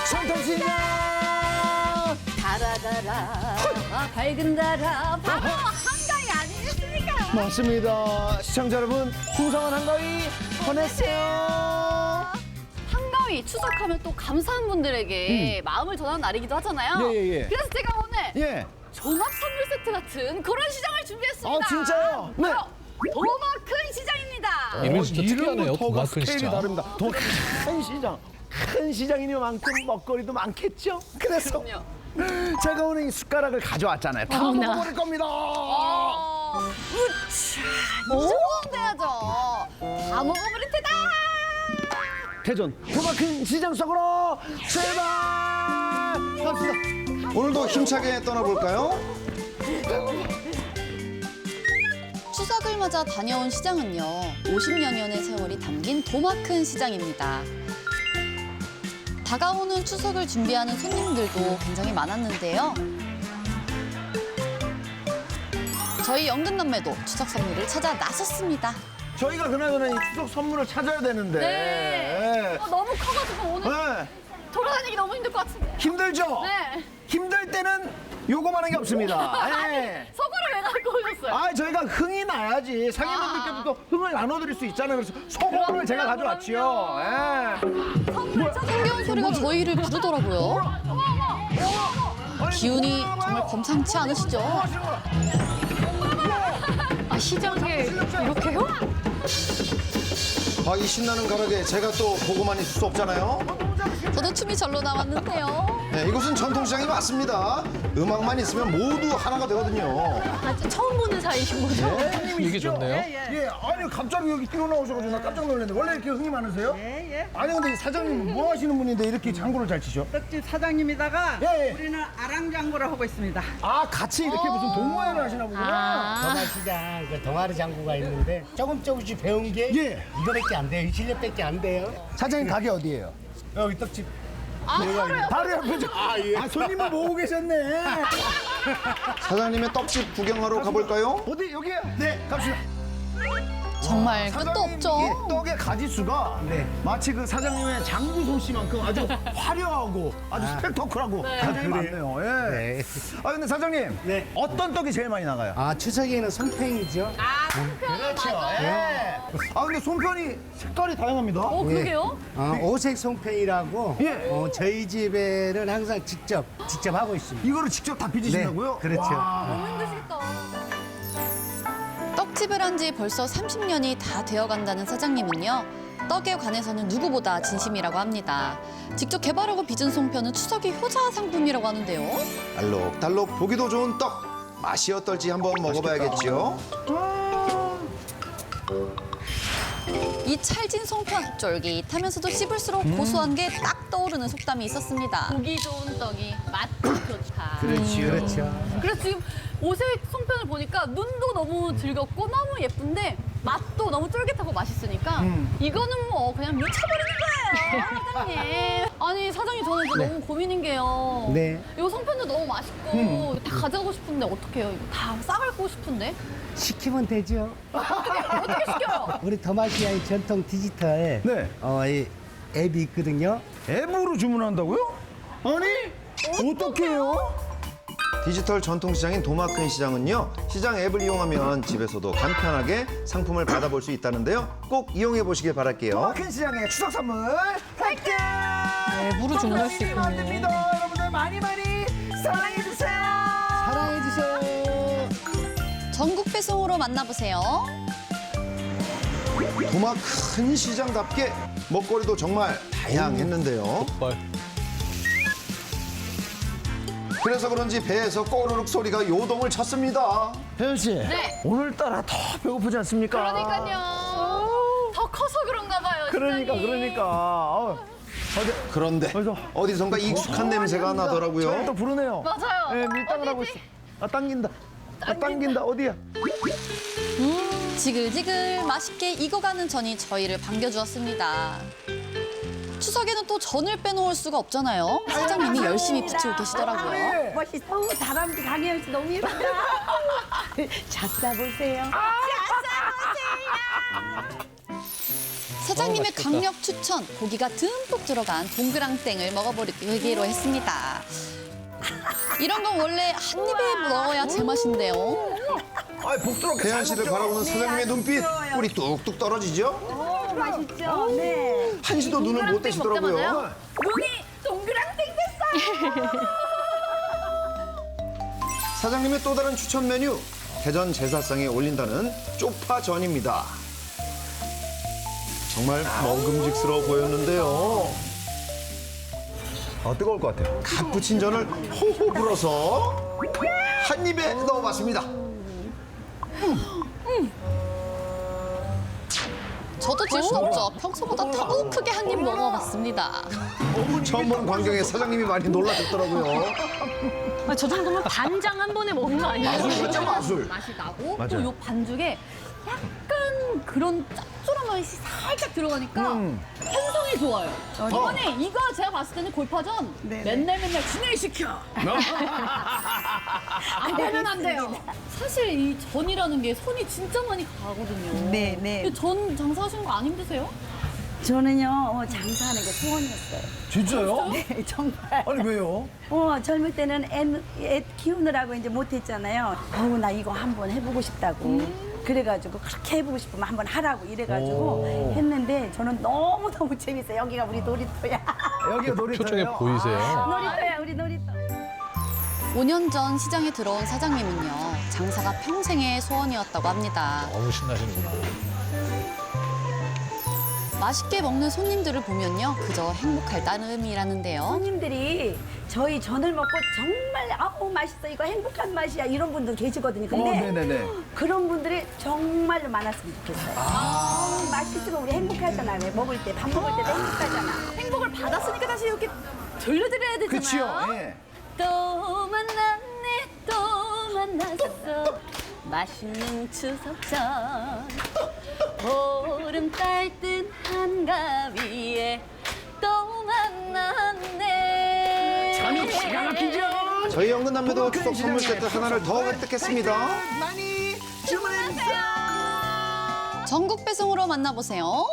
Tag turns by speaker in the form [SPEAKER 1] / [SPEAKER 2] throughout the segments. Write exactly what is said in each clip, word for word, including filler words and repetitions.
[SPEAKER 1] 전통시장.
[SPEAKER 2] 달아달아 밝은 달아 바로 한가위 아니겠습니까?
[SPEAKER 1] 맞습니다. 시청자 여러분, 풍성한 한가위 보내세요.
[SPEAKER 2] 한가위 추석하면 또 감사한 분들에게 마음을 전하는 날이기도 하잖아요.
[SPEAKER 1] 예, 예, 예.
[SPEAKER 2] 그래서 제가 오늘
[SPEAKER 1] 예.
[SPEAKER 2] 종합 선물 세트 같은 그런 시장을 준비했습니다.
[SPEAKER 1] 아, 진짜요? 네.
[SPEAKER 2] 바로 도마큰 시장입니다.
[SPEAKER 3] 이름이 진짜 특이하네요.
[SPEAKER 1] 이름부터가
[SPEAKER 3] 도마큰
[SPEAKER 1] 스케일이
[SPEAKER 3] 시장.
[SPEAKER 1] 다릅니다. 큰 시장. 큰 시장이니만큼 먹거리도 많겠죠? 그래서
[SPEAKER 2] 그럼요.
[SPEAKER 1] 제가 오늘 이 숟가락을 가져왔잖아요. 다
[SPEAKER 2] 어머나.
[SPEAKER 1] 먹어버릴 겁니다.
[SPEAKER 2] 어, 우차, 이 정도는 돼야죠. 다 먹어버릴 테다.
[SPEAKER 1] 대전 도마큰 시장 속으로 출발! 갑시다.
[SPEAKER 4] 오늘도 힘차게 떠나볼까요?
[SPEAKER 5] 추석을 맞아 다녀온 시장은요, 오십여 년의 세월이 담긴 도마큰 시장입니다. 다가오는 추석을 준비하는 손님들도 굉장히 많았는데요. 저희 연근남매도 추석 선물을 찾아 나섰습니다.
[SPEAKER 1] 저희가 그나저나 이 추석 선물을 찾아야 되는데.
[SPEAKER 2] 네. 어, 너무 커가지고 오늘
[SPEAKER 1] 네.
[SPEAKER 2] 돌아다니기 너무 힘들 것 같은데.
[SPEAKER 1] 힘들죠?
[SPEAKER 2] 네.
[SPEAKER 1] 힘들 때는 요거만한 게 없습니다. 네.
[SPEAKER 2] 서구를 왜 갖고 오셨어요?
[SPEAKER 1] 아, 저희가 흥이 나야지 상인분들께도 또 흥을 나눠드릴 수 있잖아요. 그래서 소금을 제가 가져왔지요. 예.
[SPEAKER 2] 선물 찾아.
[SPEAKER 5] 흥겨운 소리가 저희를 부르더라고요.
[SPEAKER 1] 아니,
[SPEAKER 5] 기운이
[SPEAKER 1] 뭐
[SPEAKER 5] 정말 범상치 않으시죠?
[SPEAKER 1] 뭐 하시는 거야?
[SPEAKER 2] 아, 시장에 이렇게요?
[SPEAKER 4] 아, 이 신나는 가락에 제가 또 보고만 있을 수 없잖아요.
[SPEAKER 5] 저도 춤이 절로 나왔는데요.
[SPEAKER 4] 네, 이곳은 전통시장이 맞습니다. 음악만 있으면 모두 하나가 되거든요.
[SPEAKER 2] 아, 처음 보는 사이신 거죠?
[SPEAKER 3] 이게 좋네요.
[SPEAKER 1] 예, 아니 갑자기 여기 뛰어나오셔가지고 나 깜짝 놀랐는데 원래 이렇게 흥이 많으세요?
[SPEAKER 6] 예, 예.
[SPEAKER 1] 아니 근데 이 사장님 뭐 하시는 분인데 이렇게 장구를 잘 치셔?
[SPEAKER 6] 떡집 사장님이다가
[SPEAKER 1] 예, 예.
[SPEAKER 6] 우리는 아랑장구를 하고 있습니다.
[SPEAKER 1] 아 같이 이렇게 무슨 동호회를 하시나 보구나.
[SPEAKER 7] 도마시장 그 동아리 장구가 있는데 조금 조금씩 배운 게
[SPEAKER 1] 예.
[SPEAKER 7] 이거밖에 안 돼요. 이 실력밖에 안 돼요.
[SPEAKER 1] 사장님 가게 어디예요?
[SPEAKER 7] 여기 떡집.
[SPEAKER 1] 바로 옆에. 아, 예. 아 손님을 모으고 계셨네.
[SPEAKER 4] 사장님의 떡집 구경하러 가볼까요?
[SPEAKER 1] 어디 여기요? 네, 갑시다.
[SPEAKER 5] 정말 끝도
[SPEAKER 1] 사장님,
[SPEAKER 5] 없죠.
[SPEAKER 1] 이 떡의 가지수가
[SPEAKER 7] 네.
[SPEAKER 1] 마치 그 사장님의 장구 솜씨만큼 아주 화려하고 아주 스펙터클하고 사장님 많네요. 예.
[SPEAKER 7] 네.
[SPEAKER 1] 아 근데 사장님,
[SPEAKER 7] 네.
[SPEAKER 1] 어떤 떡이 제일 많이 나가요?
[SPEAKER 7] 아 추석에는 송팽이죠.
[SPEAKER 1] 그렇죠. 예. 아 근데 손편이 색깔이 다양합니다.
[SPEAKER 2] 어, 그러게요?
[SPEAKER 7] 어, 오색 송팽이라고
[SPEAKER 1] 예.
[SPEAKER 7] 어, 저희 집에는 항상 직접 직접 하고 있습니다.
[SPEAKER 1] 이거를 직접 다 빚으신다고요?
[SPEAKER 7] 네, 그렇죠.
[SPEAKER 1] 와.
[SPEAKER 2] 너무 힘드시겠다.
[SPEAKER 5] 떡집을 한 지 벌써 삼십 년이 다 되어간다는 사장님은요, 떡에 관해서는 누구보다 진심이라고 합니다. 직접 개발하고 빚은 송편은 추석의 효자 상품이라고 하는데요.
[SPEAKER 4] 알록달록 보기도 좋은 떡. 맛이 어떨지 한번 먹어봐야겠죠.
[SPEAKER 5] 이 찰진 송편, 쫄깃하면서도 씹을수록 고소한 게 딱 떠오르는 속담이 있었습니다.
[SPEAKER 2] 보기 좋은 떡이 맛도 좋다.
[SPEAKER 1] 그렇죠.
[SPEAKER 7] 그렇죠.
[SPEAKER 2] 그래서 지금 오색 송편을 보니까 눈도 너무 즐겁고 너무 예쁜데 맛도 너무 쫄깃하고 맛있으니까 이거는 뭐 그냥 미쳐버리는 거예요, 사장님. 아니 사장님 저는 이제 너무 고민인 게요.
[SPEAKER 7] 네.
[SPEAKER 2] 이 송편도 너무 맛있고 다 가져가고 싶은데 어떡해요? 이거 다 싸갈고 싶은데
[SPEAKER 7] 시키면 되죠.
[SPEAKER 2] 어떻게 시켜요?
[SPEAKER 7] 우리 도마시장의 전통 디지털
[SPEAKER 1] 네.
[SPEAKER 7] 어, 이 앱이 있거든요.
[SPEAKER 1] 앱으로 주문한다고요? 아니 어떡해요?
[SPEAKER 4] 디지털 전통시장인 도마큰 시장은요. 시장 앱을 이용하면 집에서도 간편하게 상품을 받아볼 수 있다는데요. 꼭 이용해 보시길 바랄게요.
[SPEAKER 1] 큰 시장의 추석 선물 획득!
[SPEAKER 5] 앱으로 주문할 수 있군요.
[SPEAKER 1] 안 됩니다. 여러분들 많이 많이 사랑해 주세요.
[SPEAKER 7] 사랑해 주세요.
[SPEAKER 5] 전국 배송으로 만나보세요.
[SPEAKER 4] 도마큰 시장답게 먹거리도 정말 다양했는데요.
[SPEAKER 3] 헐.
[SPEAKER 4] 그래서 그런지 배에서 꼬르륵 소리가 요동을 쳤습니다.
[SPEAKER 1] 혜연 씨,
[SPEAKER 2] 네.
[SPEAKER 1] 오늘따라 더 배고프지 않습니까?
[SPEAKER 2] 그러니까요. 더 커서 그런가 봐요.
[SPEAKER 1] 그러니까
[SPEAKER 2] 시장이.
[SPEAKER 1] 그러니까. 어, 어디
[SPEAKER 4] 그런데
[SPEAKER 1] 어디서?
[SPEAKER 4] 어디선가 익숙한 냄새가
[SPEAKER 1] 저희 또
[SPEAKER 4] 나더라고요.
[SPEAKER 1] 부르네요.
[SPEAKER 2] 맞아요.
[SPEAKER 1] 네, 밀당을 하고
[SPEAKER 2] 어디지?
[SPEAKER 1] 있어. 아 당긴다. 아 당긴다. 어디야?
[SPEAKER 5] 지글지글 맛있게 익어가는 전이 저희를 반겨주었습니다. 추석에는 또 전을 빼놓을 수가 없잖아요. 사장님이 열심히 부치고 계시더라고요.
[SPEAKER 8] 멋있어. 다람쥐 강혜연 씨 너무 예쁘다. 잡다 보세요.
[SPEAKER 5] 사 사장님의
[SPEAKER 3] 맛있겠다.
[SPEAKER 5] 강력 추천, 고기가 듬뿍 들어간 동그랑땡을 먹어보기로 했습니다. 이런 건 원래 한 입에 넣어야 제맛인데요.
[SPEAKER 1] 아, 복스럽게
[SPEAKER 4] 태연
[SPEAKER 1] 잘
[SPEAKER 4] 씨를
[SPEAKER 1] 먹죠.
[SPEAKER 4] 바라보는 사장님의 눈빛 꿀이 뚝뚝 떨어지죠?
[SPEAKER 8] 오, 맛있죠? 네.
[SPEAKER 4] 한시도 눈을 못 떼시더라고요.
[SPEAKER 2] 눈이 동그랑땡 됐어요.
[SPEAKER 4] 사장님의 또 다른 추천 메뉴, 대전 제사상에 올린다는 쪽파전입니다. 정말 먹음직스러워 보였는데요.
[SPEAKER 1] 아, 뜨거울 것 같아요.
[SPEAKER 4] 갓 부친 전을 호호 불어서 한 입에 넣어봤습니다.
[SPEAKER 5] 저도 질 수 없죠. 평소보다 더 크게 한 입 먹어봤습니다.
[SPEAKER 4] 처음 보는 광경에 사장님이 많이 놀라셨더라고요.
[SPEAKER 9] 아, 저 정도면 반장 한 번에 먹는 거 아니에요?
[SPEAKER 4] 진짜 마술.
[SPEAKER 2] 맛이 나고
[SPEAKER 1] 맞아요.
[SPEAKER 2] 또 요 반죽에 약간 그런 짭조름한 맛이 살짝 들어가니까
[SPEAKER 1] 음.
[SPEAKER 2] 편성이 좋아요. 이번에 이거 제가 봤을 때는 골파전 맨날 맨날 진행시켜. 안 되면 안 돼요. 사실 이 전이라는 게 손이 진짜 많이 가거든요.
[SPEAKER 8] 네, 네.
[SPEAKER 2] 근데 전 장사하시는 거 안 힘드세요?
[SPEAKER 8] 저는요, 어, 장사하는 게 소원이었어요.
[SPEAKER 1] 진짜요?
[SPEAKER 8] 네, 정말.
[SPEAKER 1] 아니, 왜요?
[SPEAKER 8] 어, 젊을 때는 애, 애 키우느라고 이제 못했잖아요. 어우, 나 이거 한번 해보고 싶다고. 그래가지고 그렇게 해보고 싶으면 한번 하라고 이래가지고
[SPEAKER 1] 오.
[SPEAKER 8] 했는데 저는 너무너무 재밌어요. 여기가 우리 놀이터야.
[SPEAKER 1] 여기가 놀이터예요.
[SPEAKER 3] 표정에 보이세요.
[SPEAKER 8] 놀이터야, 우리 놀이터.
[SPEAKER 5] 오 년 전 시장에 들어온 사장님은요. 장사가 평생의 소원이었다고 합니다.
[SPEAKER 3] 너무 신나시는구나.
[SPEAKER 5] 맛있게 먹는 손님들을 보면요. 그저 행복할 따름이라는데요.
[SPEAKER 8] 손님들이 저희 전을 먹고 정말 아우 맛있어 이거 행복한 맛이야 이런 분들 계시거든요.
[SPEAKER 1] 어,
[SPEAKER 8] 근데
[SPEAKER 1] 네네네.
[SPEAKER 8] 그런 분들이 정말로 많았으면 좋겠어요. 아, 맛있으면 우리 행복하잖아. 왜 먹을 때 밥 먹을 때도 행복하잖아.
[SPEAKER 2] 행복을 받았으니까 다시 이렇게 돌려드려야 되잖아요.
[SPEAKER 1] 그치요? 예.
[SPEAKER 2] 또 만났네 또 만났었어 맛있는 추석전 보름달 뜬 한가위에 또 만났네
[SPEAKER 1] 참 기가 막히죠?
[SPEAKER 4] 저희 연근남매도 추석 선물 세트 하나를 더 획득했습니다.
[SPEAKER 1] 많이 주문해주세요.
[SPEAKER 5] 전국 배송으로 만나보세요.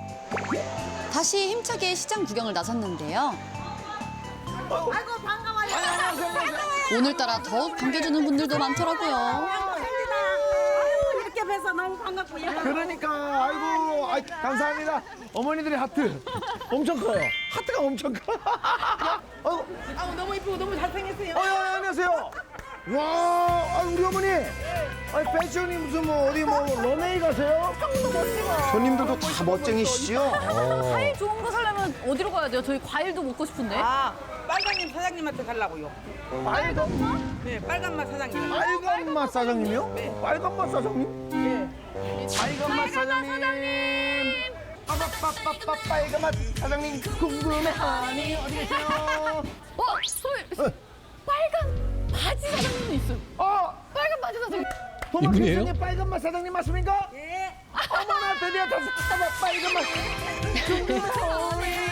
[SPEAKER 5] 다시 힘차게 시장 구경을 나섰는데요.
[SPEAKER 8] 아이고 반가워요.
[SPEAKER 5] 오늘따라 더욱 반겨주는 분들도 많더라고요.
[SPEAKER 8] 반갑습니다. 아이고, 이렇게 뵈서 너무 반갑고요.
[SPEAKER 1] 그러니까, 아이고, 아이, 감사합니다. 어머니들의 하트 엄청 커요. 하트가 엄청 커. 어,
[SPEAKER 6] 아우 너무 이쁘고 너무 잘생겼어요.
[SPEAKER 1] 어, 예, 안녕하세요. 와, 아, 우리 어머니. 아니, 패션이 무슨 뭐 어디 뭐 런웨이 가세요?
[SPEAKER 4] 손님들도 다 멋쟁이시죠?
[SPEAKER 2] 과일 좋은 거 사려면 어디로 가야 돼요? 저희 과일도 먹고 싶은데
[SPEAKER 6] 아 빨강님 사장님한테 가려고요.
[SPEAKER 1] 빨간 맛?
[SPEAKER 6] 네 빨간 맛 사장님.
[SPEAKER 1] 빨간 맛 사장님이요? 빨간 맛 사장님?
[SPEAKER 6] 네.
[SPEAKER 1] 빨간 맛 사장님. 빠빠빠빠빠 빨간 맛 사장님 궁금해하니 어디 계세요?
[SPEAKER 2] 어? 소희 빨간 바지 사장님도 있어요.
[SPEAKER 1] 어,
[SPEAKER 2] 빨간 바지 사장님.
[SPEAKER 3] 이분이에요?
[SPEAKER 1] 도마키스님 빨간 맛 사장님 맞습니까?
[SPEAKER 6] 예.
[SPEAKER 1] 어머나 드디어 다섯 빨간 맛 궁금해하니.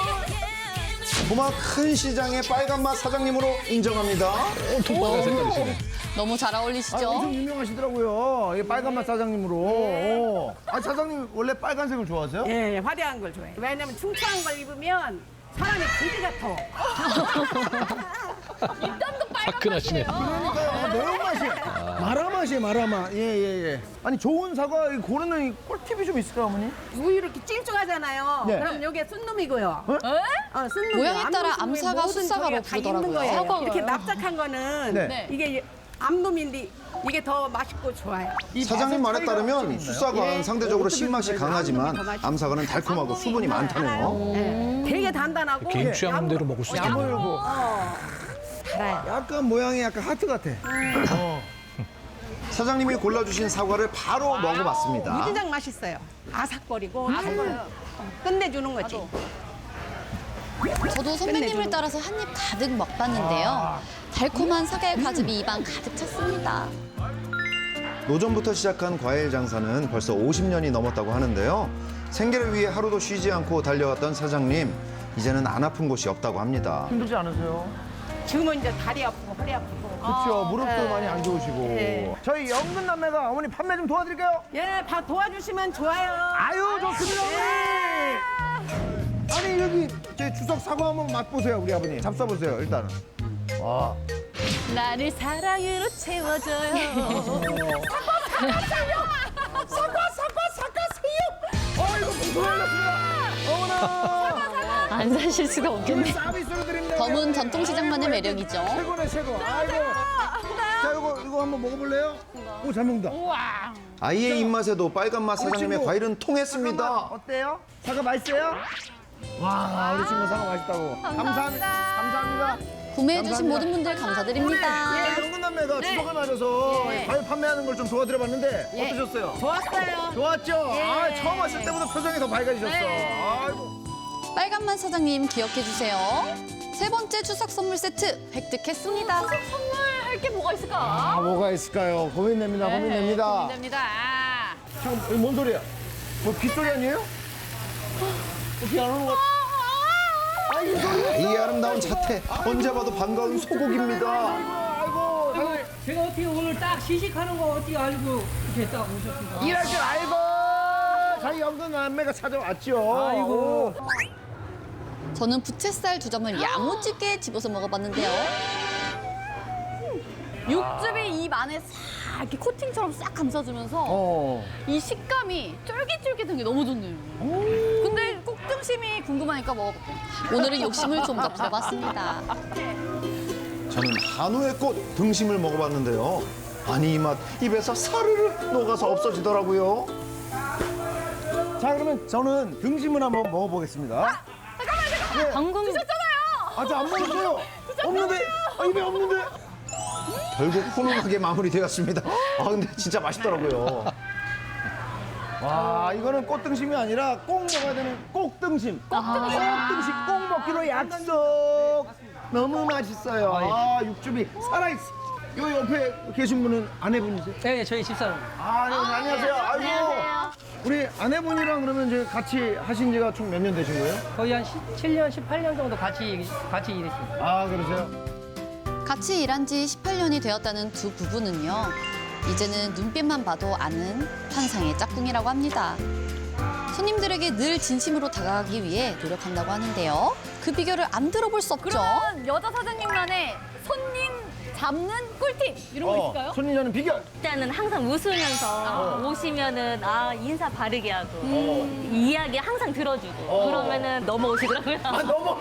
[SPEAKER 4] 도마 큰 시장의 빨간 맛 사장님으로 인정합니다.
[SPEAKER 3] 톡박한 색깔이시네.
[SPEAKER 5] 너무 잘
[SPEAKER 1] 아,
[SPEAKER 5] 어울리시죠?
[SPEAKER 1] 엄청 유명하시더라고요. 이 빨간 맛 사장님으로. 어. 아, 사장님 원래 빨간색을 좋아하세요?
[SPEAKER 6] 예, 화려한 걸 좋아해요.
[SPEAKER 8] 왜냐면 충청한 걸 입으면 사람이 그지 같아.
[SPEAKER 2] 일단도
[SPEAKER 3] 화끈하시네.
[SPEAKER 1] 그러니까요. 아, 매운맛이에요. 마라맛이에요, 마라맛. 예, 예, 예. 아니, 좋은 사과 이 고르는 이 꿀팁이 좀 있을까요, 어머니?
[SPEAKER 8] 우유 이렇게 찔쭉하잖아요.
[SPEAKER 1] 네.
[SPEAKER 8] 그럼 요게 순놈이고요.
[SPEAKER 2] 에?
[SPEAKER 8] 어, 순놈.
[SPEAKER 5] 모양에 따라 암사가 숫사가로 부르더라고요.
[SPEAKER 8] 거예요. 이렇게 납작한 거는
[SPEAKER 1] 네.
[SPEAKER 2] 네.
[SPEAKER 8] 이게 암놈인데 이게 더 맛있고 좋아요.
[SPEAKER 4] 사장님 말에 따르면
[SPEAKER 1] 예.
[SPEAKER 4] 숫사과는 상대적으로 신맛이 강하지만 암사과는 달콤하고 수분이 많다네요.
[SPEAKER 8] 네. 되게 단단하고
[SPEAKER 3] 개인 취향대로 먹을 수 있겠네요.
[SPEAKER 1] 야물고.
[SPEAKER 8] 달아요.
[SPEAKER 1] 약간 모양이 약간 하트 같아. 어.
[SPEAKER 4] 사장님이 골라주신 사과를 바로 먹어봤습니다.
[SPEAKER 8] 무진장 맛있어요. 아삭거리고 달고요. 끝내주는 거지.
[SPEAKER 5] 저도 선배님을 따라서 한 입 가득 먹봤는데요. 달콤한 사과의 과즙이 입안 가득 찼습니다.
[SPEAKER 4] 노전부터 시작한 과일 장사는 벌써 오십 년이 넘었다고 하는데요. 생계를 위해 하루도 쉬지 않고 달려왔던 사장님, 이제는 안 아픈 곳이 없다고 합니다.
[SPEAKER 1] 힘들지 않으세요?
[SPEAKER 8] 지금은 이제 다리 아프고 허리 아프고.
[SPEAKER 1] 그렇죠. 무릎도 많이 안 좋으시고.
[SPEAKER 8] 네.
[SPEAKER 1] 저희 영근 남매가 어머니 판매 좀 도와드릴까요?
[SPEAKER 8] 예, 다 도와주시면 좋아요.
[SPEAKER 1] 아유, 좋습니다, 어머니. 제 추석 사과 한번 맛보세요, 우리 아버님. 잡숴보세요, 일단은. 와.
[SPEAKER 2] 나를 사랑으로 채워줘요.
[SPEAKER 1] 아이고, 무슨 말렸습니다. 어머나.
[SPEAKER 9] 안 사실 수가
[SPEAKER 1] 우리
[SPEAKER 9] 없겠네.
[SPEAKER 1] 서비스로 드립니다.
[SPEAKER 5] 검은 전통시장만의 매력이죠.
[SPEAKER 1] 최고네, 최고. 아이고. 자, 이거, 이거 한번 먹어볼래요? 오, 잘 먹는다.
[SPEAKER 4] 아이의 입맛에도 빨간맛 사장님의
[SPEAKER 1] 친구.
[SPEAKER 4] 과일은 통했습니다.
[SPEAKER 1] 어때요? 사과 맛있어요? 와, 우리 친구 사과 맛있다고. 감사합니다. 감사합니다.
[SPEAKER 5] 구매해주신
[SPEAKER 1] 감사합니다.
[SPEAKER 5] 모든 분들 감사드립니다.
[SPEAKER 1] 예, 영근남매가 추석을 맞아서
[SPEAKER 2] 예.
[SPEAKER 1] 과일 판매하는 걸 좀 도와드려봤는데
[SPEAKER 2] 예.
[SPEAKER 1] 어떠셨어요?
[SPEAKER 6] 좋았어요.
[SPEAKER 1] 좋았죠? 아, 처음 왔을 때보다 표정이 더 밝아지셨어.
[SPEAKER 2] 네.
[SPEAKER 1] 아이고.
[SPEAKER 5] 빨간맛 사장님 기억해주세요. 세 번째 추석 선물 세트 획득했습니다.
[SPEAKER 2] 선물 할 게 뭐가 있을까?
[SPEAKER 1] 아, 뭐가 있을까요? 고민됩니다, 고민됩니다.
[SPEAKER 2] 네, 고민됩니다.
[SPEAKER 1] 잠깐, 이거 뭔 소리야? 뭐 빗소리 아니에요? 어, 비안 오는 것 같아. 아, 이 소리.
[SPEAKER 4] 이 아름다운 자태 언제 봐도 반가운 소곡입니다.
[SPEAKER 1] 아이고, 아이고.
[SPEAKER 10] 제가 어떻게 오늘 딱 시식하는 거 어떻게 알고 이렇게 딱 오셨습니까?
[SPEAKER 1] 일할 줄 알고 자기 영근남매가 찾아왔죠.
[SPEAKER 10] 아이고.
[SPEAKER 5] 저는 부채살 두 점을 야무지게 집어서 먹어봤는데요.
[SPEAKER 2] 육즙이 입 안에 싹 이렇게 코팅처럼 싹 감싸주면서
[SPEAKER 1] 어.
[SPEAKER 2] 이 식감이 쫄깃쫄깃한 게 너무 좋네요. 근데 꼭등심이 궁금하니까 먹어볼게요.
[SPEAKER 5] 오늘은 욕심을 좀 더 부려봤습니다.
[SPEAKER 4] 저는 한우의 꽃 등심을 먹어봤는데요. 아니 이 맛 입에서 사르르 녹아서 없어지더라고요.
[SPEAKER 1] 자, 그러면 저는 등심을 한번 먹어보겠습니다.
[SPEAKER 9] 방금
[SPEAKER 1] 아직 안 먹었어요. 없는데? 아, 입에 없는데?
[SPEAKER 4] 결국 훈훈하게 마무리되었습니다. 아 근데 진짜 맛있더라고요.
[SPEAKER 1] 와, 이거는 꽃등심이 아니라 꼭 먹어야 되는 꼭등심. 꼭등심. 꼭등심 꼭 먹기로 약속. 너무 맛있어요. 아, 육즙이 살아있어. 요 옆에 계신 분은 아내분이세요?
[SPEAKER 10] 네, 저희 집사람.
[SPEAKER 1] 아, 네, 안녕하세요. 아이고. 우리 아내분이랑 그러면 이제 같이 하신 지가 총 몇 년 되신 거예요?
[SPEAKER 10] 거의 한 십칠 년, 십팔 년 정도 같이 같이 일했습니다.
[SPEAKER 1] 아, 그러세요?
[SPEAKER 5] 같이 일한 지 십팔 년이 되었다는 두 부부는요. 이제는 눈빛만 봐도 아는 환상의 짝꿍이라고 합니다. 손님들에게 늘 진심으로 다가가기 위해 노력한다고 하는데요. 그 비결을 안 들어볼 수 없죠.
[SPEAKER 2] 그러면 여자 사장님만의 손님 잡는 꿀팁 이런 거 있을까요?
[SPEAKER 1] 손님 잡는 비결.
[SPEAKER 9] 일단은 항상 웃으면서 오시면은 아 인사 바르게 하고 이야기 항상 들어주고 그러면은 넘어오시더라고요.
[SPEAKER 1] 아, 너무.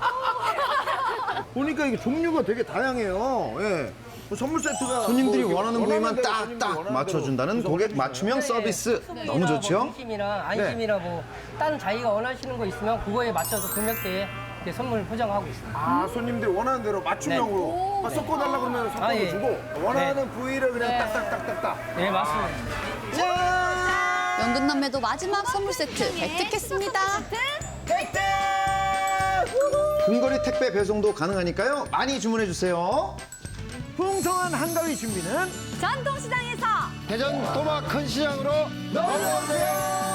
[SPEAKER 1] 보니까 이게 종류가 되게 다양해요. 예. 뭐 선물 세트가
[SPEAKER 4] 손님들이
[SPEAKER 1] 뭐 이렇게
[SPEAKER 4] 원하는 부위만
[SPEAKER 1] 대로 손님들이
[SPEAKER 4] 딱딱
[SPEAKER 1] 원하는
[SPEAKER 4] 맞춰준다는
[SPEAKER 1] 대로
[SPEAKER 4] 고객
[SPEAKER 1] 구성해
[SPEAKER 4] 맞춤형
[SPEAKER 1] 주시잖아요.
[SPEAKER 4] 서비스 너무
[SPEAKER 10] 뭐
[SPEAKER 4] 좋죠?
[SPEAKER 10] 안심이나 안심이나 뭐 다른 자기가 원하시는 거 있으면 그거에 맞춰서 금액대에 이렇게 선물 포장하고 있습니다.
[SPEAKER 1] 아, 손님들이 원하는 대로 맞춤형으로 아, 섞어달라 그러면 섞어서
[SPEAKER 10] 아, 예.
[SPEAKER 1] 주고 원하는 부위를 그냥 딱딱딱딱딱.
[SPEAKER 10] 네, 맞습니다.
[SPEAKER 5] 연근남매도 마지막 선물 세트 획득했습니다.
[SPEAKER 4] 근거리 택배 배송도 가능하니까요. 많이 주문해 주세요.
[SPEAKER 1] 풍성한 한가위 준비는
[SPEAKER 2] 전통시장에서
[SPEAKER 1] 대전 도마 큰 시장으로 넘어오세요.